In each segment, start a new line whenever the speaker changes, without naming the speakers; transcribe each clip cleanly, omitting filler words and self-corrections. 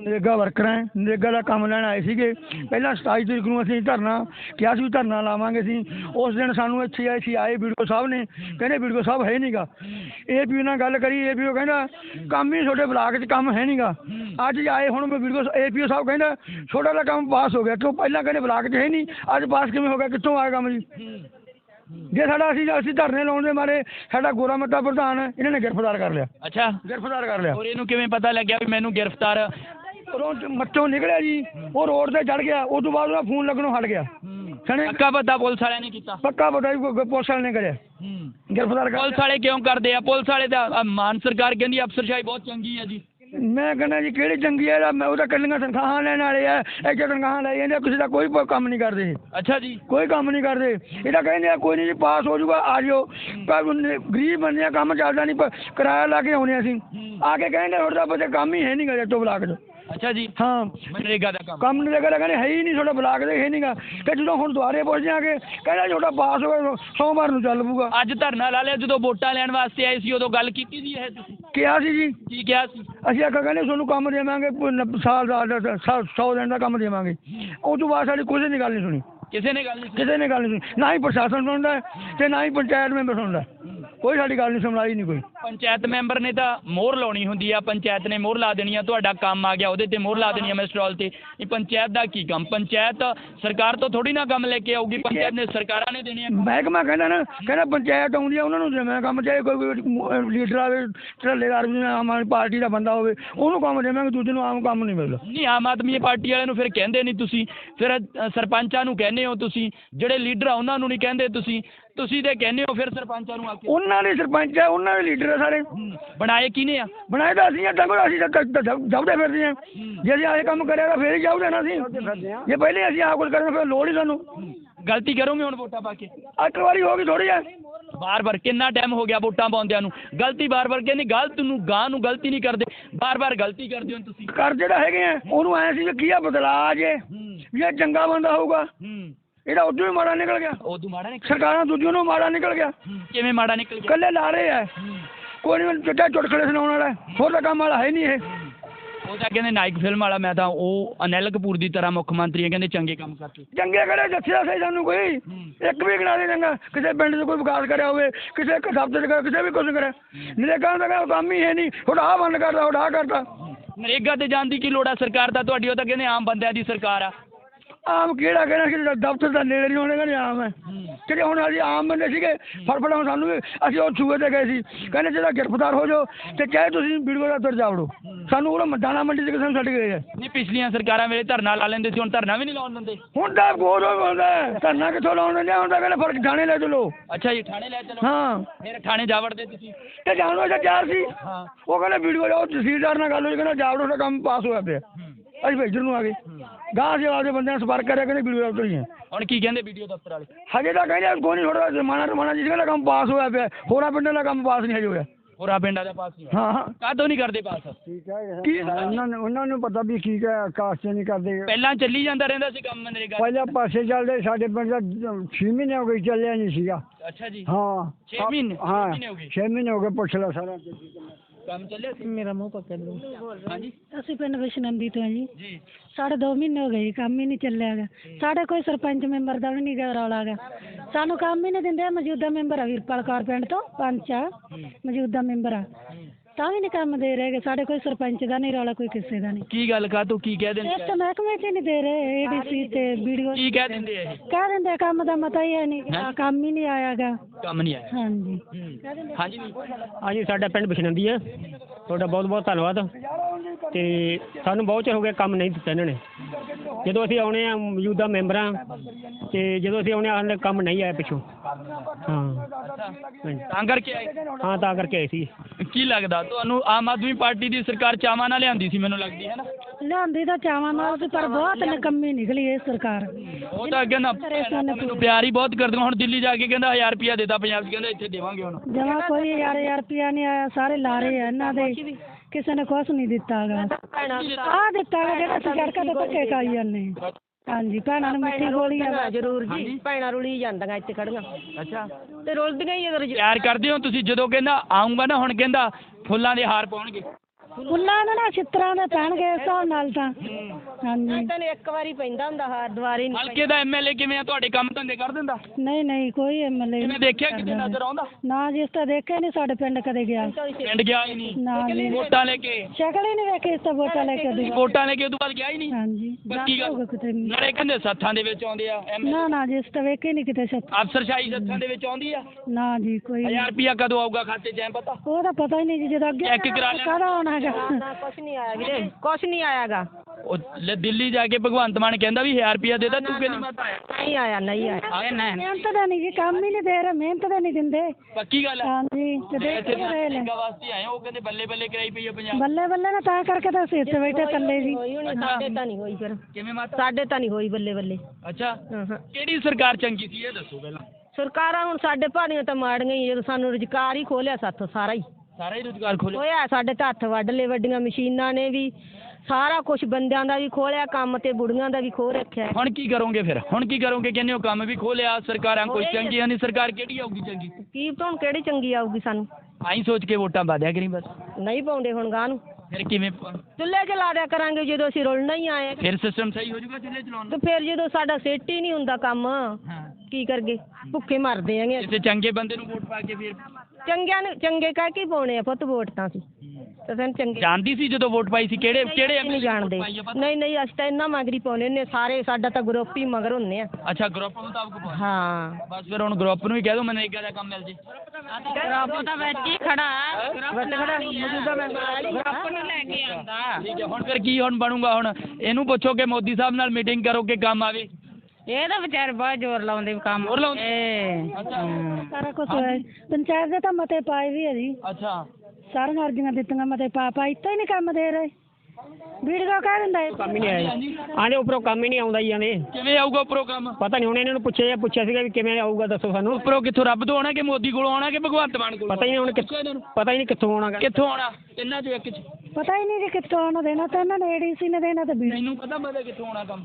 NREGA worker ਹੈ। ਨਰੇਗਾ ਦਾ ਕੰਮ ਲੈਣ ਆਏ ਸੀਗੇ। ਪਹਿਲਾਂ 27 ਤਰੀਕ ਨੂੰ ਅਸੀਂ ਧਰਨਾ ਕਿਹਾ ਸੀ, ਧਰਨਾ ਲਾਵਾਂਗੇ ਅਸੀਂ। ਉਸ ਦਿਨ ਸਾਨੂੰ ਇੱਥੇ ਆਏ ਵੀਡੀਓ ਸਾਹਿਬ ਨੇ, ਕਹਿੰਦੇ ਵੀਡੀਓ ਸਾਹਿਬ ਹੈ ਨਹੀਂ ਗਾ। APO ਨਾਲ ਗੱਲ ਕਰੀ, APO ਕਹਿੰਦਾ ਕੰਮ ਹੀ ਤੁਹਾਡੇ ਬਲਾਕ 'ਚ ਕੰਮ ਹੈ ਨਹੀਂ ਗਾ। ਅੱਜ ਆਏ ਹੁਣ ਵੀਡੀਓ APO ਸਾਹਿਬ ਕਹਿੰਦਾ ਤੁਹਾਡਾ ਦਾ ਕੰਮ ਪਾਸ ਹੋ ਗਿਆ। ਕਿਉਂ ਪਹਿਲਾਂ ਕਹਿੰਦੇ ਬਲਾਕ 'ਚ ਹੈ ਨਹੀਂ, ਅੱਜ ਪਾਸ ਕਿਵੇਂ ਹੋ ਗਿਆ? ਕਿੱਥੋਂ ਆਇਆ ਕੰਮ ਜੀ? ਜੇ ਸਾਡਾ ਅਸੀਂ ਧਰਨੇ ਲਾਉਣ ਦੇ ਮਾਰੇ ਸਾਡਾ ਗੋਰਾ ਮੱਤਾ ਪ੍ਰਧਾਨ ਇਹਨਾਂ ਨੇ ਗ੍ਰਿਫਤਾਰ ਕਰ ਲਿਆ।
ਅੱਛਾ,
ਗ੍ਰਿਫਤਾਰ ਕਰ ਲਿਆ।
ਔਰ ਇਹਨੂੰ ਕਿਵੇਂ ਪਤਾ ਲੱਗਿਆ ਵੀ ਮੈਨੂੰ ਗ੍ਰਿਫਤਾਰ?
ਮੱਥੋਂ ਨਿਕਲਿਆ ਜੀ, ਉਹ ਰੋਡ ਤੇ ਚੜ ਗਿਆ। ਉਸ ਤੋਂ ਬਾਅਦ ਉਹਦਾ ਫੋਨ ਲੱਗਣੋਂ ਹਟ ਗਿਆ।
ਪੱਕਾ ਪਤਾ ਪੁਲਿਸ ਵਾਲਿਆਂ ਨੇ ਕੀਤਾ?
ਪੱਕਾ ਪਤਾ ਜੀ, ਪੁਲਿਸ ਵਾਲੇ ਨੇ ਕਰਿਆ ਗ੍ਰਿਫਤਾਰ ਕਰ।
ਪੁਲਿਸ ਵਾਲੇ ਕਿਉਂ ਕਰਦੇ ਆ? ਪੁਲਿਸ ਵਾਲੇ ਦਾ ਮਾਨ ਸਰਕਾਰ ਕਹਿੰਦੀ ਅਫਸਰਸ਼ਾਹੀ ਬਹੁਤ ਚੰਗੀ ਹੈ ਜੀ।
ਮੈਂ ਕਹਿੰਦਾ ਜੀ ਕਿਹੜੀ ਚੰਗੀ ਹੈ? ਮੈਂ ਉਹਦਾ ਕੱਲੀਆਂ ਤਨਖਾਹਾਂ ਲੈਣ ਵਾਲੇ ਆ, ਇੱਥੇ ਤਨਖਾਹਾਂ ਲੈ ਜਾਂਦੇ, ਕਿਸੇ ਦਾ ਕੋਈ ਕੰਮ ਨਹੀਂ ਕਰਦੇ।
ਅੱਛਾ ਜੀ,
ਕੋਈ ਕੰਮ ਨਹੀਂ ਕਰਦੇ। ਇਹਦਾ ਕਹਿੰਦੇ ਆ ਕੋਈ ਨਹੀਂ ਜੀ ਪਾਸ ਹੋ ਜਾਊਗਾ, ਆ ਜਾਓ। ਪਰ ਗਰੀਬ ਬੰਦੇ ਆ, ਕੰਮ ਚੱਲਦਾ ਨਹੀਂ, ਕਿਰਾਇਆ ਲਾ ਕੇ ਆਉਣੇ ਅਸੀਂ। ਆ ਕੇ ਕਹਿੰਦੇ ਤੁਹਾਡਾ ਬੱਚੇ ਕੰਮ ਹੀ ਹੈ ਨਹੀਂ ਗਾ ਜੱਟੋ ਬਲਾਕ 'ਚ।
ਅੱਛਾ ਜੀ,
ਹਾਂ,
ਮਨਰੇਗਾ ਦਾ
ਕੰਮ ਨਰੇਗਾ ਦਾ ਕਹਿੰਦੇ ਹੈ ਹੀ ਨਹੀਂ, ਤੁਹਾਡਾ ਬਲਾਕ ਦੇ ਹੈ ਨਹੀਂ ਗਾ। ਤੇ ਜਦੋਂ ਹੁਣ ਦੁਆਰੇ ਪੁੱਛਦੇ ਆ ਕੇ ਕਹਿੰਦਾ ਤੁਹਾਡਾ ਪਾਸ ਹੋ ਗਿਆ, ਸੋਮਵਾਰ ਨੂੰ ਚੱਲ ਪਊਗਾ।
ਅੱਜ ਧਰਨਾ ਲਾ ਲਿਆ, ਜਦੋਂ ਵੋਟਾਂ ਲੈਣ ਵਾਸਤੇ ਆਏ ਸੀ ਉਦੋਂ ਗੱਲ ਕੀਤੀ ਸੀ ਇਹ ਤੁਸੀਂ?
ਕਿਹਾ ਸੀ ਜੀ।
ਕੀ ਕਿਹਾ ਸੀ?
ਅਸੀਂ ਆਖਿਆ ਕਹਿੰਦੇ ਤੁਹਾਨੂੰ ਕੰਮ ਦੇਵਾਂਗੇ, ਸਾਲ ਦਾ 100 ਦਿਨ ਦਾ ਕੰਮ ਦੇਵਾਂਗੇ। ਉਸ ਤੋਂ ਬਾਅਦ ਸਾਡੀ ਕਿਸੇ ਨੇ ਗੱਲ ਨਹੀਂ ਸੁਣੀ।
ਕਿਸੇ ਨੇ ਗੱਲ ਨਹੀਂ ਸੁਣੀ?
ਕਿਸੇ ਨੇ ਗੱਲ ਨਹੀਂ ਸੁਣੀ, ਨਾ ਹੀ ਪ੍ਰਸ਼ਾਸਨ ਸੁਣਦਾ ਤੇ ਨਾ ਹੀ ਪੰਚਾਇਤ ਮੈਂਬਰ ਸੁਣਦਾ। ਕੋਈ ਸਾਡੀ ਗੱਲ ਨਹੀਂ ਸੁਣਾਈ ਨਹੀਂ ਕੋਈ।
ਪੰਚਾਇਤ ਮੈਂਬਰ ਨੇ ਤਾਂ ਮੋਹਰ ਲਾਉਣੀ ਹੁੰਦੀ ਆ, ਪੰਚਾਇਤ ਨੇ ਮੋਹਰ ਲਾ ਦੇਣੀ ਆ। ਤੁਹਾਡਾ ਕੰਮ ਆ ਗਿਆ ਉਹਦੇ ਤੇ ਮੋਹਰ ਲਾ ਦੇਣੀ ਆ ਮੈਂ ਸਟਾਲ ਤੇ। ਇਹ ਪੰਚਾਇਤ ਦਾ ਕੀ ਕੰਮ? ਪੰਚਾਇਤ ਸਰਕਾਰ ਤੋਂ ਥੋੜੀ ਨਾ ਕੰਮ ਲੈ ਕੇ ਆਊਗੀ, ਪੰਚਾਇਤ ਨੇ ਸਰਕਾਰਾਂ ਨੇ ਦੇਣੇ ਆ।
ਮਹਿਕਮਾ ਕਹਿੰਦਾ ਨਾ, ਕਹਿੰਦਾ ਪੰਚਾਇਤ ਆਉਂਦੀ ਆ ਉਹਨਾਂ ਨੂੰ ਦੇਵਾਂ ਕੰਮ। ਚਾਹੇ ਕੋਈ ਲੀਡਰ ਆਵੇ, ਢੱਲੇਦਾਰ ਵੀ ਆਮ ਆਦਮੀ ਪਾਰਟੀ ਦਾ ਬੰਦਾ ਹੋਵੇ, ਉਹਨੂੰ ਕੰਮ ਦੇਵਾਂਗੇ, ਦੂਜੇ ਨੂੰ ਆਮ ਕੰਮ ਨਹੀਂ ਮਿਲਦਾ।
ਨਹੀਂ, ਆਮ ਆਦਮੀ ਪਾਰਟੀ ਵਾਲਿਆਂ ਨੂੰ ਫਿਰ ਕਹਿੰਦੇ ਨਹੀਂ ਤੁਸੀਂ, ਫਿਰ ਸਰਪੰਚਾਂ ਨੂੰ ਕਹਿੰਦੇ ਹੋ ਤੁਸੀਂ, ਜਿਹੜੇ ਲੀਡਰ ਆ ਉਹਨਾਂ ਨੂੰ ਨਹੀਂ ਕਹਿੰਦੇ ਤੁਸੀਂ ਤੇ ਕਹਿੰਦੇ ਹੋ ਫਿਰ ਸਰਪੰਚਾਂ ਨੂੰ ਆ ਕੇ। ਉਹਨਾਂ
ਦੇ ਸਰਪੰਚ ਆ, ਉਹਨਾਂ ਦੇ ਲੀਡਰ ਆ ਸਾਰੇ।
ਬਣਾਏ ਕਿਹਨੇ ਆ?
ਬਣਾਏ ਤਾਂ ਅਸੀਂ ਅਸੀਂ ਤਾਂ ਜਾਉਦੇ ਫਿਰਦੇ ਹਾਂ। ਜੇ ਅਸੀਂ ਆਏ ਕੰਮ ਕਰਿਆ ਤਾਂ ਫਿਰ ਹੀ ਜਾਉਦੇ ਨਾ ਅਸੀਂ। ਜੇ ਪਹਿਲੇ ਅਸੀਂ ਆਪ ਕੁਝ ਕਰਾਂਗੇ ਫਿਰ ਲੋੜ ਹੀ ਸਾਨੂੰ।
ਗਲਤੀ ਕਰੋਗੇ ਹੁਣ ਵੋਟਾਂ ਪਾ ਕੇ?
ਇੱਕ ਵਾਰੀ ਹੋ ਗਈ ਥੋੜੀ ਆ।
ਬਾਰ ਕਿੰਨਾ ਟਾਈਮ ਹੋ ਗਿਆ ਵੋਟਾਂ ਪਾਉਂਦਿਆਂ ਨੂੰ? ਗਲਤੀ ਬਾਰ ਕਹਿੰਦੇ ਗਲਤ ਨੂੰ ਗਾਂ ਨੂੰ ਗਲਤੀ ਨਹੀਂ ਕਰਦੇ, ਬਾਰ ਗਲਤੀ ਕਰਦੇ ਹੋ ਤੁਸੀਂ।
ਕਰ ਜਿਹੜਾ ਹੈਗੇ ਆ ਉਹਨੂੰ ਐਂ ਸੀ ਵੀ ਕੀ ਆ ਬਦਲਾਅ ਜੇ ਜੇ ਚੰਗਾ ਬੰਦਾ ਹੋਊਗਾ। ਇਹਦਾ ਉਦੋਂ ਹੀ ਮਾੜਾ ਨਿਕਲ ਗਿਆ।
ਉਦੋਂ ਮਾੜਾ ਨਿਕਲ?
ਸਰਕਾਰਾਂ ਦੂਜੀਆਂ ਨੂੰ ਮਾੜਾ ਨਿਕਲ ਗਿਆ।
ਕਿਵੇਂ ਮਾੜਾ ਨਿਕਲ ਗਿਆ?
ਇਕੱਲੇ ਲਾ ਰਹੇ ਆ, ਕੋਈ ਨਹੀਂ ਚਿੱਟਾ ਚੁਟਕਲੇ ਸੁਣਾਉਣ ਵਾਲਾ, ਹੋਰ ਤਾਂ ਕੰਮ ਵਾਲਾ ਹੈ ਨਹੀਂ ਇਹ।
ਉਹ ਤਾਂ ਕਹਿੰਦੇ ਨਾਇਕ ਫਿਲਮ ਵਾਲਾ, ਮੈਂ ਤਾਂ ਉਹ ਅਨਿਲ ਕਪੂਰ ਦੀ ਤਰ੍ਹਾਂ ਮੁੱਖ ਮੰਤਰੀ ਹੈ, ਕਹਿੰਦੇ ਚੰਗੇ ਕੰਮ ਕਰਦੇ।
ਚੰਗੇ ਕਿਹੜੇ ਦੱਸਿਆ ਸਹੀ ਸਾਨੂੰ ਕੋਈ? ਇੱਕ ਵੀ ਗਿਣਾ ਦੇ ਚੰਗਾ ਕਿਸੇ ਪਿੰਡ 'ਚ ਕੋਈ ਵਿਕਾਸ ਕਰਿਆ ਹੋਵੇ, ਕਿਸੇ ਦਫ਼ਤਰ 'ਚ ਕਿਸੇ ਵੀ ਕੁਛ ਕਰਿਆ। ਨਰੇਗਾ ਦਾ ਕੰਮ ਹੀ ਹੈ ਨਹੀਂ, ਤੁਹਾਡਾ ਆਹ ਬੰਦ ਕਰਦਾ, ਤੁਹਾਡਾ ਆਹ ਕਰਦਾ।
ਨਰੇਗਾ ਤੇ ਜਾਣ ਦੀ ਕੀ ਲੋੜ ਆ ਸਰਕਾਰ ਦਾ ਤੁਹਾਡੀ? ਉਹ ਤਾਂ ਕਹਿੰਦੇ ਆਮ ਬੰਦਿਆਂ ਦੀ ਸਰਕਾਰ ਆ।
ਆਮ ਕਿਹੜਾ ਕਹਿਣਾ ਕਿ ਦਫ਼ਤਰ ਦਾ ਨੇੜੇ ਨਹੀਂ ਹੋਣੇ ਕਹਿੰਦੇ ਆਮ ਹੈ। ਜਿਹੜੇ ਹੁਣ ਅਸੀਂ ਆਮ ਬੰਦੇ ਸੀਗੇ ਫੜਫੜਾਉਣ ਸਾਨੂੰ ਵੀ, ਅਸੀਂ ਉਹ ਛੂਏ ਤੇ ਗਏ ਸੀ, ਕਹਿੰਦੇ ਜਿਹੜਾ ਗ੍ਰਿਫਤਾਰ ਹੋ ਜਾਓ ਤੇ ਚਾਹੇ ਤੁਸੀਂ ਵੀਡੀਓ ਦਾ ਤੁਰ ਜਾਵੜੋ। ਸਾਨੂੰ ਉਹ ਦਾਣਾ ਮੰਡੀ 'ਚ ਕਿਸੇ ਨੂੰ ਛੱਡ ਗਏ ਆ।
ਨਹੀਂ, ਪਿਛਲੀਆਂ ਸਰਕਾਰਾਂ ਵੇਲੇ ਧਰਨਾ ਲਾ ਲੈਂਦੇ ਸੀ, ਹੁਣ ਧਰਨਾ ਵੀ ਨਹੀਂ ਲਾਉਣ ਦਿੰਦੇ।
ਹੁਣ ਤਾਂ ਗੋਰ ਹੁੰਦਾ ਧਰਨਾ ਕਿੱਥੋਂ ਲਾਉਣ ਦਿੰਦੇ? ਹੁਣ ਤਾਂ ਕਹਿੰਦੇ ਫਰਕ ਥਾਣੇ ਲੈ ਚਲੋ।
ਅੱਛਾ ਜੀ, ਥਾਣੇ ਲੈ ਚਲੋ।
ਹਾਂ,
ਫਿਰ ਥਾਣੇ ਜਾ ਵੜਦੇ ਤੁਸੀਂ?
ਤੇ ਜਾਣੋ ਅੱਛਾ ਚਾਰ ਸੀ।
ਹਾਂ,
ਉਹ ਕਹਿੰਦੇ ਵੀਡੀਓ ਜਾਓ, ਤਹਿਸੀਲਦਾਰ ਨਾਲ ਗੱਲ ਹੋਈ, ਕਹਿੰਦਾ ਜਾਵੜੋ, ਦਾ ਕੰਮ ਪਾਸ ਹੋਇਆ ਪਿਆ। ਅਸੀਂ ਇੱਧਰ ਨੂੰ ਆ ਗਏ, ਗਾਂ ਅਸੀਂ ਆਪਦੇ ਬੰਦਿਆਂ ਨਾਲ ਸੰਪਰਕ ਕਰਿਆ, ਕਹਿੰਦੇ ਵੀਡੀਓ ਦਫ਼ਤਰ ਹੀ ਹੈ।
ਹੁਣ ਕੀ ਕਹਿੰਦੇ ਵੀਡੀਓ ਦਫ਼ਤਰ ਵਾਲੇ?
ਹਜੇ ਤਾਂ ਕਹਿੰਦੇ ਕੋਈ ਨਹੀਂ, ਥੋੜਾ ਰਮਾਣਾ ਜੀ ਕਹਿੰਦਾ ਕੰਮ ਪਾਸ ਹੋਇਆ ਪਿਆ, ਹੋਰਾਂ ਪਿੰਡਾਂ ਦਾ ਕੰਮ ਪਾਸ ਨਹੀਂ ਹਜੇ ਹੋਇਆ।
ਹੋਰਾਂ ਪਿੰਡਾਂ ਦਾ ਪਾਸ ਨਹੀਂ?
ਹਾਂ।
ਕਾਹਦੋਂ ਨਹੀਂ ਕਰਦੇ ਪਾਸ?
ਠੀਕ ਹੈ, ਉਹਨਾਂ ਨੂੰ ਪਤਾ ਵੀ ਕੀ ਕਾਸ ਨਹੀਂ ਕਰਦੇ।
ਪਹਿਲਾਂ ਚੱਲੀ ਜਾਂਦਾ ਰਹਿੰਦਾ ਸੀ ਕੰਮ ਮਨਰੇਗਾ?
ਪਹਿਲਾਂ ਪਾਸੇ ਚੱਲਦੇ, ਸਾਡੇ ਪਿੰਡ ਦਾ 6 ਮਹੀਨੇ ਹੋ ਗਏ ਚੱਲਿਆ ਨਹੀਂ ਸੀਗਾ।
ਅੱਛਾ ਜੀ,
ਹਾਂ
6 ਮਹੀਨੇ?
ਹਾਂ
6
ਮਹੀਨੇ ਹੋ ਗਏ, ਪੁੱਛ ਲਓ ਸਾਰਾ
ਕੰਮ ਚੱਲਿਆ ਸੀ।
ਮੇਰਾ ਮੂੰਹ ਪਕੜ ਲਓ।
ਹਾਂਜੀ,
ਅਸੀਂ ਪਿੰਡ ਵਿਸ਼ਨੰਦੀ ਤੋਂ ਜੀ।
ਜੀ,
ਸਾਢੇ 2 ਮਹੀਨੇ ਹੋ ਗਏ, ਕੰਮ ਹੀ ਨਹੀਂ ਚੱਲਿਆ ਗਾ। ਸਾਡੇ ਕੋਈ ਸਰਪੰਚ ਮੈਂਬਰ ਦਾ ਵੀ ਨਹੀਂ ਗਾ ਰੌਲਾ ਗਾ, ਸਾਨੂੰ ਕੰਮ ਹੀ ਨਹੀਂ ਦਿੰਦੇ। ਮੌਜੂਦਾ ਮੈਂਬਰ ਆ ਵੀਰਪਾਲ ਕੌਰ, ਪਿੰਡ ਤੋਂ ਪੰਚ ਆ, ਮੌਜੂਦਾ ਮੈਂਬਰ ਆ, ਤਾਂ ਵੀ ਨਹੀਂ ਕੰਮ ਦੇ ਰਹੇ। ਸਾਡੇ ਕੋਈ ਸਰਪੰਚ ਦਾ ਨਹੀਂ ਰੌਲਾ, ਕੋਈ ਕਿਸੇ ਦਾ ਨਹੀਂ।
ਕੀ ਗੱਲ ਕਾ ਤੂੰ ਕੀ ਕਹਿ ਦਿੰਦੇ?
ਇਸ ਮਹਿਕਮੇ 'ਚ ਨਹੀਂ ਦੇ ਰਹੇ, ADC ਤੇ ਵੀਡੀਓ
ਕੀ ਕਹਿ ਦਿੰਦੇ ਆ ਇਹ?
ਕਹਿ ਦਿੰਦੇ ਕੰਮ ਦਾ ਮਤਾ ਹੀ ਹੈ ਨਹੀਂ, ਕੰਮ ਹੀ ਨਹੀਂ ਆਇਆ ਗਾ।
ਕੰਮ ਨਹੀਂ ਆਇਆ?
ਹਾਂਜੀ
ਹਾਂਜੀ।
ਹਾਂਜੀ, ਸਾਡਾ ਪਿੰਡ ਬਿਸ਼ਨੰਦੀ ਹੈ। ਤੁਹਾਡਾ ਬਹੁਤ ਬਹੁਤ ਧੰਨਵਾਦ। ਤੇ ਸਾਨੂੰ ਬਹੁਤ ਚਿਰ ਹੋ ਗਿਆ, ਕੰਮ ਨਹੀਂ ਦਿੱਤਾ ਇਹਨਾਂ ਨੇ। ਜਦੋਂ ਅਸੀਂ ਆਉਣੇ ਆ ਮੌਜੂਦਾ ਮੈਂਬਰਾਂ, ਤੇ ਜਦੋਂ ਅਸੀਂ ਆਉਣੇ ਆ ਕੰਮ ਨਹੀਂ ਆਇਆ ਪਿੱਛੋਂ। ਹਾਂ,
ਤਾਂ ਕਰਕੇ ਆਏ?
ਹਾਂ, ਤਾਂ ਕਰਕੇ ਆਏ ਸੀ।
ਕੀ ਲੱਗਦਾ ਤੁਹਾਨੂੰ ਆਮ ਆਦਮੀ ਪਾਰਟੀ ਦੀ ਸਰਕਾਰ ਚਾਵਾਂ ਨਾਲ ਲਿਆਂਦੀ ਸੀ? ਮੈਨੂੰ ਲੱਗਦੀ ਹੈ ਨਾ
ਲਿਆਂਦੀ ਤਾਂ ਚਾਵਾਂ ਨਾਲ ਸੀ, ਪਰ ਬਹੁਤ ਨਿਕੰਮੀ ਨਿਕਲੀ ਇਹ ਸਰਕਾਰ।
ਉਹ ਤਾਂ ਕਹਿੰਦਾ ਮੈਨੂੰ ਪਿਆਰ ਹੀ ਬਹੁਤ ਕਰਦੀਆਂ। ਹੁਣ ਦਿੱਲੀ ਜਾ ਕੇ ਕਹਿੰਦਾ 1000 ਰੁਪਇਆ ਦੇਤਾ, ਪੰਜਾਬ 'ਚ ਕਹਿੰਦਾ ਇੱਥੇ ਦੇਵਾਂਗੇ। ਹੁਣ
ਜਮਾ ਕੋਈ 1000 ਰੁਪਇਆ ਨਹੀਂ ਆਇਆ, ਸਾਰੇ ਲਾਰੇ ਆ ਇਹਨਾਂ ਦੇ, ਕਿਸੇ ਨੇ ਕੁਛ ਨਹੀਂ ਦਿੱਤਾ ਗਾ। ਆਹ ਦਿੱਤਾ ਗਾ ਜਿਹੜਾ ਅਸੀਂ ਸੜਕਾਂ ਤੇ ਧੱਕੇ ਖਾਈ ਜਾਂਦੇ। ਹਾਂਜੀ, ਭੈਣਾਂ ਨੂੰ ਮਿੱਠੀ ਗੋਲੀ ਆ
ਜ਼ਰੂਰ ਜੀ, ਭੈਣਾਂ ਰੁਲੀ ਜਾਂਦੀਆਂ ਇੱਥੇ ਖੜੀਆਂ।
ਅੱਛਾ,
ਤੇ ਰੁਲਦੀਆਂ ਹੀ ਅਗਰ
ਪਿਆਰ ਕਰਦੇ ਹੋ ਤੁਸੀਂ? ਜਦੋਂ ਕਹਿੰਦਾ ਆਉਂਗਾ ਨਾ, ਹੁਣ ਕਹਿੰਦਾ ਫੁੱਲਾਂ ਦੇ ਹਾਰ ਪਾਉਣਗੇ।
ਫੁੱਲਾਂ ਦੇ ਨਾ ਛਿੱਤਰਾਂ ਦੇ ਪੈਣਗੇ ਇਸ ਹਿਸਾਬ ਨਾਲ ਤਾਂ ਹਾਂਜੀ
ਤੈਨੂੰ ਇੱਕ ਵਾਰੀ ਪੈਂਦਾ ਹੁੰਦਾ ਹਰ ਦੁਆਰੀ ਨਹੀਂ
ਹਲਕੇ ਦਾ ਐਮਐਲਏ ਕਿਵੇਂ ਆ ਤੁਹਾਡੇ ਕੰਮ ਧੰਦੇ ਕਰ ਦਿੰਦਾ?
ਨਹੀਂ ਕੋਈ ਐਮਐਲਏ
ਕਿਵੇਂ ਦੇਖਿਆ ਕਿਤੇ ਨਜ਼ਰ ਆਉਂਦਾ?
ਨਾ ਜਿਸ ਤਾਂ ਦੇਖਿਆ ਨਹੀਂ ਸਾਡੇ ਪਿੰਡ ਕਦੇ ਗਿਆ
ਪਿੰਡ ਗਿਆ ਹੀ ਨਹੀਂ
ਨਾ ਜੀ
ਵੋਟਾਂ ਲੈ ਕੇ
ਸ਼ਕਲ ਹੀ ਨਹੀਂ ਵੇਖੀ ਇਸ ਤਾਂ ਵੋਟਾਂ ਲੈ ਕੇ ਦੀ
ਵੋਟਾਂ ਲੈ ਕੇ ਉਦੋਂ ਬਾਅਦ ਗਿਆ ਹੀ ਨਹੀਂ।
ਹਾਂਜੀ
ਪੱਕੀ ਗੱਲ।
ਹੋਊਗਾ ਕਿਤੇ ਨਹੀਂ।
ਨਾਲੇ ਕਹਿੰਦੇ ਸੱਥਾਂ ਦੇ ਵਿੱਚ ਆਉਂਦੇ ਆ
ਨਾ ਜਿਸ ਤਾਂ ਵੇਖੇ ਨਹੀਂ ਕਿਤੇ ਸੱਤ
ਅਫਸਰਸ਼ਾਹੀ ਸੱਥਾਂ ਦੇ ਵਿੱਚ ਆਉਂਦੀ ਆ।
ਨਾ ਜੀ ਕੋਈ
1000 ਰੁਪਿਆ ਕਦੋਂ ਆਊਗਾ ਖਾਤੇ 'ਚ ਐਂ ਪਤਾ?
ਉਹ ਤਾਂ ਪਤਾ ਹੀ ਨਹੀਂ ਜੀ ਜਦੋਂ ਅੱਗੇ
ਚੈੱਕ ਕਰਾ ਲਿਆ।
ਕਾਹਦਾ ਆਉਣਾ ਹੈਗਾ
ਕੁਛ ਨਹੀਂ ਆਇਆ ਵੀਰੇ ਕੁਛ ਨਹੀਂ ਆਇਆਗਾ
ਉਹ ਦਿੱਲੀ ਜਾ ਕੇ ਭਗਵੰਤ ਮਾਨ ਕਹਿੰਦਾ ਵੀ 1000 ਰੁਪਿਆ ਦੇ ਤਾ ਤੂੰ ਕਹਿੰਦੀ ਮੈਂ ਤਾਂ ਆਇਆ
ਨਹੀਂ ਆਇਆ
ਮਿਹਨਤ ਦਾ ਨਹੀਂ ਜੀ ਕੰਮ ਹੀ ਨਹੀਂ ਦੇ ਰਹੇ ਮਿਹਨਤ ਦਾ ਨਹੀਂ ਦਿੰਦੇ
ਪੱਕੀ ਗੱਲ ਹੈ।
ਹਾਂਜੀ ਤੇ
ਮੈਂ
ਦੇਖ
ਇੱਥੇ
ਰਹੇ ਨੇ
ਨਰੇਗਾ ਵਾਸਤੇ ਆਏ ਉਹ ਕਹਿੰਦੇ ਬੱਲੇ ਬੱਲੇ ਕਰਾਈ ਪਈ ਆ ਪੰਜਾਬ।
ਬੱਲੇ ਬੱਲੇ ਨਾ ਤਾਂ ਕਰਕੇ ਤਾਂ ਅਸੀਂ ਇੱਥੇ ਬੈਠੇ ਥੱਲੇ ਜੀ
ਹੋਈ ਹੋਣੀ ਸਾਡੇ ਤਾਂ ਨਹੀਂ ਹੋਈ ਫਿਰ
ਕਿਵੇਂ ਮਾਤਾ?
ਸਾਡੇ ਤਾਂ ਨਹੀਂ ਹੋਈ ਬੱਲੇ ਬੱਲੇ
ਅੱਛਾ
ਹਾਂ
ਕਿਹੜੀ ਸਰਕਾਰ ਚੰਗੀ ਸੀ ਇਹ ਦੱਸੋ ਪਹਿਲਾਂ।
ਸਰਕਾਰਾਂ ਹੁਣ ਸਾਡੇ ਭਾਣੀਆਂ ਤਾਂ ਮਾੜੀਆਂ ਹੀ ਜਦੋਂ ਸਾਨੂੰ ਰੁਜ਼ਗਾਰ ਹੀ ਖੋਲਿਆ ਸਾਥੋਂ ਸਾਰਾ ਹੀ
ਸਾਰਾ ਹੀ ਰੁਜ਼ਗਾਰ ਖੋਲਿਆ।
ਹੋਇਆ ਸਾਡੇ ਤਾਂ ਹੱਥ ਵੱਢ ਲਏ ਵੱਡੀਆਂ ਮਸ਼ੀਨਾਂ ਨੇ ਵੀ ਸਾਰਾ ਕੁਝ ਬੰਦਿਆਂ ਦਾ ਵੀ ਖੋਲਿਆ ਕੰਮ ਤੇ ਬੁੜੀਆਂ ਦਾ ਵੀ ਖੋਹ ਰੱਖਿਆ
ਹੁਣ ਕੀ ਕਰੋਗੇ ਫਿਰ? ਹੁਣ ਕੀ ਕਰੋਗੇ? ਕਹਿੰਦੇ ਹੋ ਕੰਮ ਵੀ ਖੋਲਿਆ ਸਰਕਾਰਾਂ ਕੋਈ ਚੰਗੀਆਂ ਨਹੀਂ। ਸਰਕਾਰ ਕਿਹੜੀ ਆਊਗੀ ਚੰਗੀ?
ਕੀ ਪਤਾ ਹੁਣ ਕਿਹੜੀ ਚੰਗੀ ਆਊਗੀ ਸਾਨੂੰ
ਆਈ ਸੋਚ ਕੇ ਵੋਟਾਂ ਪਾ ਦਿਆ ਕਰੀ ਬਸ।
ਨਹੀਂ ਪਾਉਂਦੇ ਹੁਣ ਗਾਂ ਨੂੰ
ਫਿਰ ਕਿਵੇਂ
ਚੁੱਲ੍ਹੇ 'ਚ ਲਾ ਦਿਆ ਕਰਾਂਗੇ ਜਦੋਂ ਅਸੀਂ ਰੁਲਣਾ ਹੀ ਆਏ
ਫਿਰ ਸਿਸਟਮ ਸਹੀ ਹੋ ਜਾਊਗਾ ਚੁੱਲ੍ਹੇ ਚਲਾਉਣ
ਤੇ ਫਿਰ ਜਦੋਂ ਸਾਡਾ ਸੇਟ ਹੀ ਨਹੀਂ ਹੁੰਦਾ ਕੰਮ
ਹਾਂ
ਕੀ ਕਰਗੇ ਭੁੱਖੇ ਮਰਦੇ ਆਂਗੇ
ਕਿਸੇ ਚੰਗੇ ਬੰਦੇ ਨੂੰ ਵੋਟ ਪਾ ਕੇ ਫਿਰ
ਚੰਗਿਆਂ ਨੂੰ ਚੰਗੇ ਕਹਿ ਕੇ ਹੀ ਪਾਉਣੇ ਆ ਪੁੱਤ ਵੋਟ ਤਾਂ ਅਸੀਂ ਤੇ ਸਾਨੂੰ ਚੰਗੇ
ਜਾਣਦੀ ਸੀ ਜਦੋਂ ਵੋਟ ਪਾਈ ਸੀ ਕਿਹੜੇ ਕਿਹੜੇ
ਨਹੀਂ ਜਾਣਦੇ ਨਹੀਂ ਅਸੀਂ ਤਾਂ ਇੰਨਾ ਮਗਰੀ ਪਾਉਣੇ ਨੇ ਸਾਰੇ ਸਾਡਾ ਤਾਂ ਗਰੁੱਪ ਹੀ ਮਗਰ ਹੁੰਨੇ ਆ
ਅੱਛਾ ਗਰੁੱਪ ਮੁਤਾਬਕ ਪਾਉਣਾ।
ਹਾਂ
ਬਸ ਫਿਰ ਹੁਣ ਗਰੁੱਪ ਨੂੰ ਹੀ ਕਹਿ ਦੋ ਮਨਰੇਗਾ ਦਾ ਕੰਮ ਮਿਲ ਜੇ।
ਗਰੁੱਪ ਤਾਂ ਵਿੱਚ ਹੀ ਖੜਾ ਮੌਜੂਦਾ ਮੈਂਬਰ ਗਰੁੱਪ ਨੂੰ ਲੈ ਕੇ ਆਂਦਾ
ਠੀਕ ਹੈ ਹੁਣ ਫਿਰ ਕੀ ਹੁਣ ਬਣੂਗਾ? ਹੁਣ ਇਹਨੂੰ ਪੁੱਛੋ ਕਿ ਮੋਦੀ ਸਾਹਿਬ ਨਾਲ ਮੀਟਿੰਗ ਕਰੋ ਕਿ ਕੰਮ ਆਵੇ।
ਇਹ ਤਾਂ ਵਿਚਾਰ ਬਹੁਤ ਜ਼ੋਰ ਲਾਉਂਦੇ ਕੰਮ
ਹੋਰ ਲਾਉਂਦੇ? ਅੱਛਾ
ਸਾਰਾ ਕੁਝ ਹੋਇਆ ਪੰਚਾਇਤ ਦੇ ਤਾਂ ਮਤੇ ਪਾਏ ਵੀ ਹੈ ਜੀ
ਅੱਛਾ
ਸਾਰੀਆਂ ਅਰਜ਼ੀਆਂ ਦਿੱਤੀਆਂ ਮਤੇ ਪਾ ਇੱਥੇ ਹੀ ਨਹੀਂ ਕੰਮ ਦੇ ਰਹੇ ਵੀਡੀਓ ਕਹਿ ਦਿੰਦਾ ਇਹ
ਕੰਮ ਹੀ ਨਹੀਂ ਆਇਆ ਆਂਦੇ ਉੱਪਰੋਂ ਕੰਮ ਹੀ ਨਹੀਂ ਆਉਂਦਾ ਜੀ ਆਂਦੇ
ਕਿਵੇਂ ਆਊਗਾ ਪ੍ਰੋਗਰਾਮ?
ਪਤਾ ਨਹੀਂ ਹੁਣ ਇਹਨਾਂ ਨੂੰ ਪੁੱਛਿਆ ਸੀਗਾ ਵੀ ਕਿਵੇਂ ਆਊਗਾ ਦੱਸੋ ਸਾਨੂੰ
ਉੱਪਰੋਂ ਕਿੱਥੋਂ ਰੱਬ ਤੋਂ ਆਉਣਾ ਕਿ ਮੋਦੀ ਕੋਲੋਂ ਆਉਣਾ ਕਿ ਭਗਵੰਤ ਮਾਨ ਕੋਲੋਂ?
ਪਤਾ ਹੀ ਨਹੀਂ ਹੁਣ ਪਤਾ ਹੀ ਨਹੀਂ ਕਿੱਥੋਂ ਆਉਣਾਗਾ
ਕਿੱਥੋਂ ਆਉਣਾ ਇਹਨਾਂ ਚੋਂ ਇੱਕ ਚ।
ਪਤਾ ਹੀ ਨਹੀਂ ਜੀ ਕਿੱਥੋਂ ਆਉਣਾ ਦੇਣਾ ਤਾਂ ਇਹਨਾਂ ਨੇ ਏਡੀਸੀ ਨੇ ਦੇਣਾ ਤਾਂ ਵੀ
ਮੈਨੂੰ ਪਤਾ ਮਤਲਬ ਕਿੱਥੋਂ ਆਉਣਾ ਕੰਮ।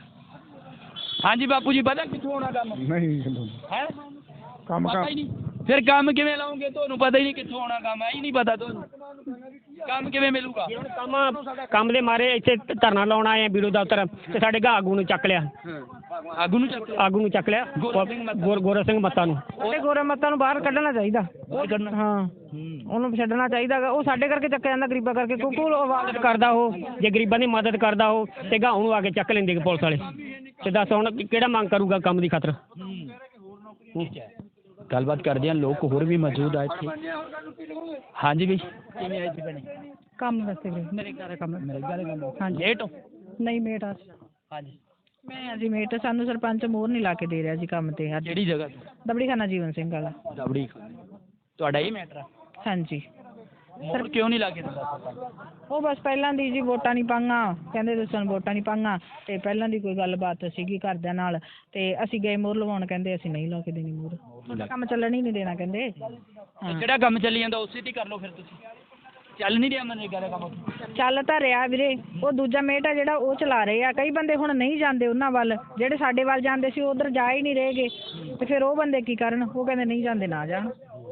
ਹਾਂਜੀ ਬਾਪੂ ਜੀ ਪਤਾ ਕਿੱਥੋਂ ਆਉਣਾ ਕੰਮ?
ਨਹੀਂ
ਹੈ
ਕੰਮ
ਪਤਾ ਹੀ ਨਹੀਂ। ਫਿਰ ਕੰਮ ਕਿਵੇਂ ਲਾਉਂਗੇ? ਤੁਹਾਨੂੰ ਪਤਾ ਹੀ ਨਹੀਂ ਕਿੱਥੋਂ ਆਉਣਾ ਕੰਮ। ਇਹ ਹੀ ਨਹੀਂ ਪਤਾ ਤੁਹਾਨੂੰ ਕੰਮ ਕਿਵੇਂ ਮਿਲੂਗਾ?
ਕੰਮ ਦੇ ਮਾਰੇ ਇੱਥੇ ਧਰਨਾ ਲਾਉਣ ਆਏ ਆ ਵੀਡੀਓ ਦਫ਼ਤਰ ਤੇ ਸਾਡੇ ਆਗੂ ਨੂੰ ਚੱਕ ਲਿਆ
ਆਗੂ ਨੂੰ ਚੱਕ
ਲਿਆ ਗੋਰਾ ਸਿੰਘ ਮੱਤਾ ਨੂੰ
ਉਹਦੇ ਗੋਰਾ ਮੱਤਾਂ ਨੂੰ ਬਾਹਰ ਕੱਢਣਾ ਚਾਹੀਦਾ ਹਾਂ ਉਹਨੂੰ ਛੱਡਣਾ ਚਾਹੀਦਾ ਗਾ। ਉਹ ਸਾਡੇ ਕਰਕੇ ਚੱਕਿਆ ਜਾਂਦਾ ਗਰੀਬਾਂ ਕਰਕੇ ਕਿਉਂਕਿ ਉਹ ਆਵਾਜ਼
ਕਰਦਾ ਉਹ ਜੇ ਗਰੀਬਾਂ ਦੀ ਮਦਦ ਕਰਦਾ ਉਹ ਤੇ ਗਾਉਂ ਨੂੰ ਆ ਕੇ ਚੱਕ ਲੈਂਦੇ ਪੁਲਿਸ ਵਾਲੇ ਤੇ ਦੱਸ ਹੁਣ ਕਿਹੜਾ ਮੰਗ ਕਰੂਗਾ ਕੰਮ ਦੀ ਖਾਤਰ।
ਗੱਲਬਾਤ ਕਰਦੇ ਹਾਂ ਲੋਕ ਹੋਰ ਵੀ ਮੌਜੂਦ ਆ ਇੱਥੇ। ਹਾਂਜੀ ਵੀ ਕਿਵੇਂ ਆਏ ਸੀ ਭੈਣੇ?
ਕੰਮ ਵਾਸਤੇ ਵੀਰੇ ਮੇਰੇ ਘਰ ਕੰਮ
ਨਰੇਗਾ ਦੇ ਕੰਮ ਹਾਂਜੀ ਲੇਟ ਹੋ?
ਨਹੀਂ ਮੇਟ ਆ
ਹਾਂਜੀ
ਮੈਂ ਅਜੀ ਮੇਟ ਸਾਨੂੰ ਸਰਪੰਚ ਮੋਹਰ ਨਹੀਂ ਲਾ ਕੇ ਦੇ ਰਿਹਾ ਜੀ ਕੰਮ ਤੇ ਅੱਜ
ਕਿਹੜੀ ਜਗ੍ਹਾ
ਦਬੜੀ ਖਾਨਾ ਜੀਵਨ ਸਿੰਘ ਵਾਲਾ
ਦਬੜੀ ਤੁਹਾਡਾ ਹੀ ਮੈਟਰ ਆ?
ਹਾਂਜੀ
ਮੋਹਰ ਕਿਉਂ ਨਹੀਂ ਲਾ ਕੇ ਦਿੰਦਾ?
ਉਹ ਬਸ ਪਹਿਲਾਂ ਦੀ ਜੀ ਵੋਟਾਂ ਨਹੀਂ ਪਾਈਆਂ ਕਹਿੰਦੇ ਤੁਸੀਂ ਵੋਟਾਂ ਨਹੀਂ ਪਾਈਆਂ ਤੇ ਪਹਿਲਾਂ ਦੀ ਕੋਈ ਗੱਲਬਾਤ ਸੀਗੀ ਘਰਦਿਆਂ ਨਾਲ ਤੇ ਅਸੀਂ ਗਏ ਮੋਹਰ ਲਵਾਉਣ ਕਹਿੰਦੇ ਅਸੀਂ ਨਹੀਂ ਲਾ ਕੇ ਦੇਣੀ ਮੋਹਰ ਕੰਮ ਚੱਲਣ ਹੀ ਨਹੀਂ ਦੇਣਾ ਕਹਿੰਦੇ
ਜਿਹੜਾ ਕੰਮ ਚੱਲੀ ਜਾਂਦਾ ਉਸੇ ਤੇ ਕਰ ਲਓ ਫਿਰ ਤੁਸੀਂ। ਚੱਲ ਨਹੀਂ ਰਿਹਾ ਮਨਰੇਗਾ ਦਾ ਕੰਮ?
ਚੱਲ ਤਾਂ ਰਿਹਾ ਵੀਰੇ ਉਹ ਦੂਜਾ ਮੇਟ ਆ ਜਿਹੜਾ ਉਹ ਚਲਾ ਰਹੇ ਆ ਕਈ ਬੰਦੇ ਹੁਣ ਨਹੀਂ ਜਾਂਦੇ ਉਹਨਾਂ ਵੱਲ ਜਿਹੜੇ ਸਾਡੇ ਵੱਲ ਜਾਂਦੇ ਸੀ ਉਧਰ ਜਾ ਹੀ ਨਹੀਂ ਰਹੇਗੇ ਤੇ ਫਿਰ ਉਹ ਬੰਦੇ ਕੀ ਕਰਨ ਉਹ ਕਹਿੰਦੇ ਨਹੀਂ ਜਾਂਦੇ ਨਾ ਜਾਣ।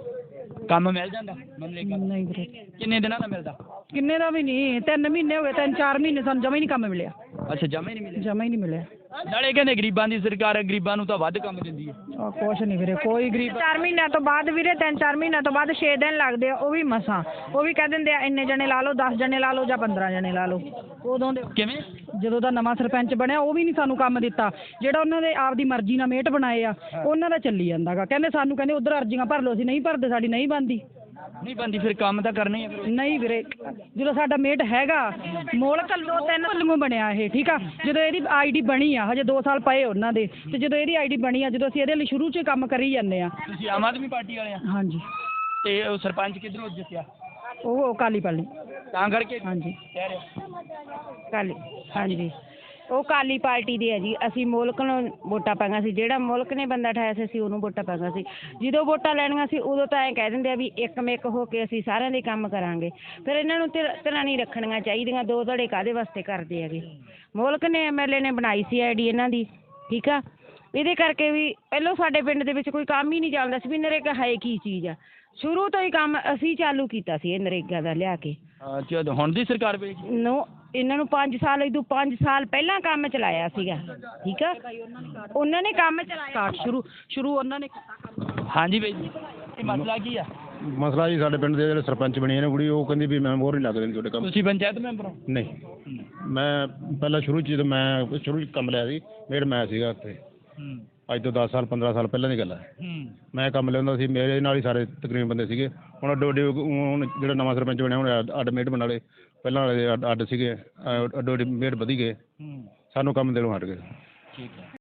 ਕੰਮ ਮਿਲ ਜਾਂਦਾ ਮਨਰੇਗਾ?
ਨਹੀਂ ਵੀਰੇ
ਕਿੰਨੇ ਦਿਨਾਂ ਦਾ ਮਿਲਦਾ?
ਕਿੰਨੇ ਦਾ ਵੀ ਨਹੀਂ 3 ਮਹੀਨੇ ਹੋ ਗਏ 3-4 ਮਹੀਨੇ ਸਾਨੂੰ ਜਮਾ ਹੀ ਨਹੀਂ ਕੰਮ ਮਿਲਿਆ
ਅੱਛਾ ਜਮਾ ਹੀ ਨਹੀਂ ਮਿਲਿਆ?
ਜਮਾ ਹੀ ਨਹੀਂ ਮਿਲਿਆ
ਨਾਲੇ ਕਹਿੰਦੇ ਗਰੀਬਾਂ ਦੀ ਸਰਕਾਰ ਹੈ ਗਰੀਬਾਂ ਨੂੰ ਤਾਂ ਵੱਧ ਕੰਮ ਦਿੰਦੀ ਹੈ।
ਕੁਛ ਨਹੀਂ ਵੀਰੇ ਕੋਈ ਗਰੀਬ 4 ਮਹੀਨਿਆਂ ਤੋਂ ਬਾਅਦ ਵੀਰੇ 3-4 ਮਹੀਨਿਆਂ ਤੋਂ ਬਾਅਦ 6 ਦਿਨ ਲੱਗਦੇ ਆ ਉਹ ਵੀ ਮਸਾਂ ਉਹ ਵੀ ਕਹਿ ਦਿੰਦੇ ਆ ਇੰਨੇ ਜਣੇ ਲਾ ਲਓ 10 ਜਣੇ ਲਾ ਲਓ ਜਾਂ 15 ਜਣੇ ਲਾ ਲਓ ਉਦੋਂ ਦੇ
ਕਿਵੇਂ?
ਜਦੋਂ ਦਾ ਨਵਾਂ ਸਰਪੰਚ ਬਣਿਆ ਉਹ ਵੀ ਨਹੀਂ ਸਾਨੂੰ ਕੰਮ ਦਿੱਤਾ ਜਿਹੜਾ ਉਹਨਾਂ ਦੇ ਆਪਦੀ ਮਰਜ਼ੀ ਨਾਲ ਮੇਟ ਬਣਾਏ ਆ ਉਹਨਾਂ ਦਾ ਚੱਲੀ ਜਾਂਦਾਗਾ ਕਹਿੰਦੇ ਸਾਨੂੰ ਕਹਿੰਦੇ ਉਧਰ ਅਰਜ਼ੀਆਂ ਭਰ ਲਓ ਅਸੀਂ ਨਹੀਂ ਭਰਦੇ ਸਾਡੀ ਨਹੀਂ ਬਣਦੀ
ਨਹੀਂ ਬੰਦੀ ਫਿਰ ਕੰਮ ਤਾਂ ਕਰਨਾ ਹੀ ਹੈ ਫਿਰ।
ਨਹੀਂ ਵੀਰੇ ਜਦੋਂ ਸਾਡਾ ਮੇਟ ਹੈਗਾ ਮੋਲਕ 2-3 ਵੱਲੋਂ ਬਣਿਆ ਇਹ ਠੀਕ ਆ ਜਦੋਂ ਇਹਦੀ ਆਈਡੀ ਬਣੀ ਆ ਹਜੇ 2 ਸਾਲ ਪਏ ਉਹਨਾਂ ਦੇ ਤੇ ਜਦੋਂ ਇਹਦੀ ਆਈਡੀ ਬਣੀ ਆ ਜਦੋਂ ਅਸੀਂ ਇਹਦੇ ਲਈ ਸ਼ੁਰੂ 'ਚ ਕੰਮ ਕਰੀ ਜਾਂਦੇ ਆ।
ਤੁਸੀਂ ਆਮ ਆਦਮੀ ਪਾਰਟੀ ਵਾਲੇ ਆ?
ਹਾਂਜੀ
ਤੇ ਉਹ ਸਰਪੰਚ ਕਿੱਧਰੋਂ ਜਿੱਤਿਆ?
ਉਹ ਕਾਲੀ ਪਾਲੀ
ਤਾਂ ਕਰਕੇ
ਹਾਂਜੀ
ਕਹਿ ਰਹੇ
ਕਾਲੀ ਹਾਂਜੀ ਉਹ ਕਾਲੀ ਪਾਰਟੀ ਦੇ ਆ ਜੀ ਅਸੀਂ ਮੁਲਕ ਨੂੰ ਵੋਟਾਂ ਪਾਈਆਂ ਸੀ ਜਿਹੜਾ ਮੁਲਕ ਨੇ ਬੰਦਾ ਠਾਇਆ ਸੀ ਅਸੀਂ ਉਹਨੂੰ ਵੋਟਾਂ ਪਾਈਆਂ ਸੀ ਜਦੋਂ ਵੋਟਾਂ ਲੈਣੀਆਂ ਸੀ ਉਦੋਂ ਤਾਂ ਐਂ ਕਹਿ ਦਿੰਦੇ ਆ ਵੀ ਇੱਕ ਹੋ ਕੇ ਅਸੀਂ ਸਾਰਿਆਂ ਦੇ ਕੰਮ ਕਰਾਂਗੇ ਫਿਰ ਇਹਨਾਂ ਨੂੰ ਤਰ੍ਹਾਂ ਨਹੀਂ ਰੱਖਣੀਆਂ ਚਾਹੀਦੀਆਂ ਦੋ ਧੜੇ ਕਾਹਦੇ ਵਾਸਤੇ ਕਰਦੇ ਹੈਗੇ ਮੁਲਕ ਨੇ ਐਮਐਲਏ ਨੇ ਬਣਾਈ ਸੀ ਆਈਡੀ ਇਹਨਾਂ ਦੀ ਠੀਕ ਆ ਇਹਦੇ ਕਰਕੇ ਵੀ ਪਹਿਲਾਂ ਸਾਡੇ ਪਿੰਡ ਦੇ ਵਿੱਚ ਕੋਈ ਕੰਮ ਹੀ ਨਹੀਂ ਚੱਲਦਾ ਸੀ ਵੀ ਨਰੇਗਾ ਹੈ ਕੀ ਚੀਜ਼ ਆ ਸ਼ੁਰੂ ਤੋਂ ਹੀ ਕੰਮ ਅਸੀਂ ਚਾਲੂ ਕੀਤਾ ਸੀ ਇਹ ਨਰੇਗਾ ਦਾ ਲਿਆ ਕੇ
ਅੱਛਾ, ਹੁਣ ਦੀ ਸਰਕਾਰ ਵੇਖ
ਨੋ ਇਹਨਾਂ ਨੂੰ 5 ਸਾਲ ਇਦੋਂ 5 ਸਾਲ ਪਹਿਲਾਂ ਕੰਮ ਚਲਾਇਆ ਸੀਗਾ, ਠੀਕ ਆ, ਉਹਨਾਂ ਨੇ ਕੰਮ ਚਲਾਇਆ ਸ਼ੁਰੂ ਉਹਨਾਂ ਨੇ ਕੀਤਾ।
ਹਾਂਜੀ ਬਾਈ ਜੀ, ਇਹ ਮਸਲਾ ਕੀ ਆ?
ਮਸਲਾ ਜੀ ਸਾਡੇ ਪਿੰਡ ਦੇ ਜਿਹੜੇ ਸਰਪੰਚ ਬਣੀ ਹੈ ਨਾ ਕੁੜੀ, ਉਹ ਕਹਿੰਦੀ ਵੀ ਮੈਂ ਮੋਹਰ ਨਹੀਂ ਲੱਗ ਦੇਣੀ ਤੁਹਾਡੇ ਕੰਮ।
ਤੁਸੀਂ ਪੰਚਾਇਤ ਮੈਂਬਰ ਹੋ?
ਨਹੀਂ, ਮੈਂ ਪਹਿਲਾਂ ਸ਼ੁਰੂ 'ਚ ਜਦੋਂ ਮੈਂ ਸ਼ੁਰੂ 'ਚ ਕੰਮ ਲਿਆ ਸੀ, ਮੇਡ ਮੈਂ ਸੀਗਾ ਉੱਥੇ, ਅੱਜ ਤੋਂ 10 ਸਾਲ 15 ਸਾਲ ਪਹਿਲਾਂ ਦੀ ਗੱਲ ਹੈ। ਮੈਂ ਕੰਮ ਲਿਆਉਂਦਾ ਸੀ, ਮੇਰੇ ਨਾਲ ਹੀ ਸਾਰੇ ਤਕਰੀਬਨ ਬੰਦੇ ਸੀਗੇ। ਹੁਣ ਅੱਡੋ ਅੱਡੀ ਹੁਣ ਜਿਹੜਾ ਨਵਾਂ ਸਰਪੰਚ ਬਣਿਆ ਹੁਣ ਅੱਡ ਮੇਡ ਬਣਾ ਲਏ, ਪਹਿਲਾਂ ਵਾਲੇ ਅੱਡ ਸੀਗੇ, ਅੱਡੋ ਅੱਡੀ ਮੇਡ ਵਧੀ ਗਏ, ਸਾਨੂੰ ਕੰਮ ਦੇਣੋਂ ਹਟ ਗਏ।
ਠੀਕ ਹੈ।